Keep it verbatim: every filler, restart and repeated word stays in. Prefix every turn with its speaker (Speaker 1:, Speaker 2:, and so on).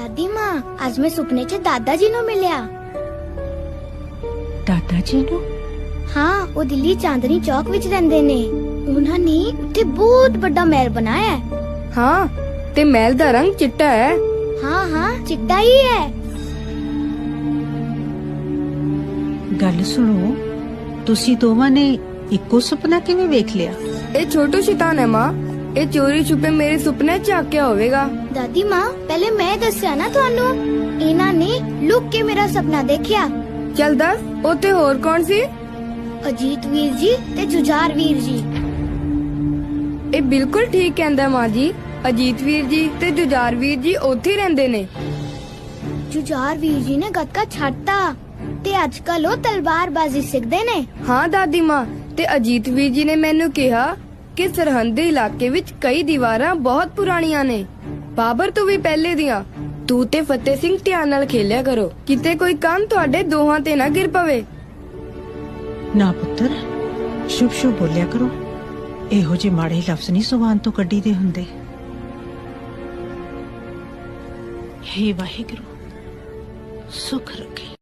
Speaker 1: ਦਾਦੀ ਮਾਂ ਅੱਜ ਮੈਂ ਸੁਪਨੇ 'ਚ ਦਾਦਾ ਜੀ ਨੂੰ ਮਿਲਿਆ।
Speaker 2: ਦਾਦਾ ਜੀ ਨੂੰ?
Speaker 1: ਹਾਂ, ਉਹ ਦਿੱਲੀ ਚਾਂਦਨੀ ਚੌਕ ਵਿੱਚ ਰਹਿੰਦੇ ਨੇ। ਉਹਨਾਂ ਨੇ ਉੱਥੇ ਬਹੁਤ ਵੱਡਾ ਮਹਿਲ ਬਣਾਇਆ ਹੈ।
Speaker 3: ਹਾਂ, ਤੇ ਮਹਿਲ ਦਾ ਰੰਗ ਚਿੱਟਾ ਹੈ।
Speaker 1: ਹਾਂ ਹਾਂ, ਚਿੱਟਾ ਹੀ ਹੈ।
Speaker 2: ਗੱਲ ਸੁਣੋ, ਤੁਸੀਂ ਦੋਵਾਂ ਨੇ ਇੱਕੋ ਸੁਪਨਾ ਕਿਵੇਂ ਵੇਖ ਲਿਆ?
Speaker 3: ਇਹ ਛੋਟੂ ਸ਼ੈਤਾਨ ਹੈ ਮਾਂ। ਇਹ ਚੋਰੀ ਛੁਪੇ ਮੇਰੇ ਸੁਪਨੇ ਚ ਆਕਿਆ ਹੋਵੇਗਾ।
Speaker 1: ਦਾਦੀ ਮਾਂ, ਪਹਿਲੇ ਮੈਂ ਦੱਸਿਆ ਨਾ ਤੁਹਾਨੂੰ, ਇਹਨਾਂ ਨੇ ਲੁੱਕ ਕੇ ਮੇਰਾ ਸੁਪਨਾ ਦੇਖਿਆ।
Speaker 3: ਚੱਲ ਦੱਸ, ਉੱਥੇ ਹੋਰ ਕੌਣ ਸੀ?
Speaker 1: ਅਜੀਤ ਵੀਰ ਜੀ ਤੇ ਜੁਝਾਰ ਵੀਰ ਜੀ।
Speaker 3: ਇਹ ਬਿਲਕੁਲ ਠੀਕ ਕਹਿੰਦਾ ਮਾਂ ਜੀ। ਅਜੀਤ ਵੀਰ ਜੀ ਤੇ ਜੁਝਾਰ ਵੀਰ ਜੀ ਉੱਥੇ ਹੀ ਰਹਿੰਦੇ ਨੇ।
Speaker 1: ਜੁਝਾਰ ਵੀਰ ਜੀ ਨੇ ਗੱਤਕਾ ਛੱਡਤਾ ਤੇ ਅੱਜ ਕੱਲ ਉਹ ਤਲਵਾਰਬਾਜ਼ੀ ਸਿੱਖਦੇ ਨੇ।
Speaker 3: ਹਾਂ ਦਾਦੀ ਮਾਂ, ਤੇ ਅਜੀਤ ਵੀਰ ਜੀ ਨੇ ਮੈਨੂੰ ਕਿਹਾ ਕਿ ਸਰਹੰਦੀ ਇਲਾਕੇ ਵਿੱਚ ਕਈ ਦੀਵਾਰਾਂ ਬਹੁਤ ਪੁਰਾਣੀਆਂ ਨੇ, ਬਾਬਰ ਤੋਂ ਵੀ ਪਹਿਲੇ ਦੀਆਂ। ਤੂੰ ਤੇ ਫਤਿਹ ਸਿੰਘ ਧਿਆਨ ਨਾਲ ਖੇਲਿਆ ਕਰੋ, ਕਿਤੇ ਕੋਈ ਕੰਨ ਤੁਹਾਡੇ ਦੋਹਾਂ ਤੇ ਨਾ ਗਿਰ ਪਵੇ।
Speaker 2: ਨਾ ਪੁੱਤਰ, ਸ਼ੁਭ ਸ਼ੁਭ ਬੋਲਿਆ ਕਰੋ। ਇਹੋ ਜਿਹੇ ਮਾੜੇ ਲਫ਼ਜ਼ ਨਹੀਂ ਜ਼ੁਬਾਨ ਤੋਂ ਕੱਢੀ ਦੇ ਹੁੰਦੇ। ਹੇ ਵਾਹਿਗੁਰੂ, ਸੁਖ ਰੱਖੇ।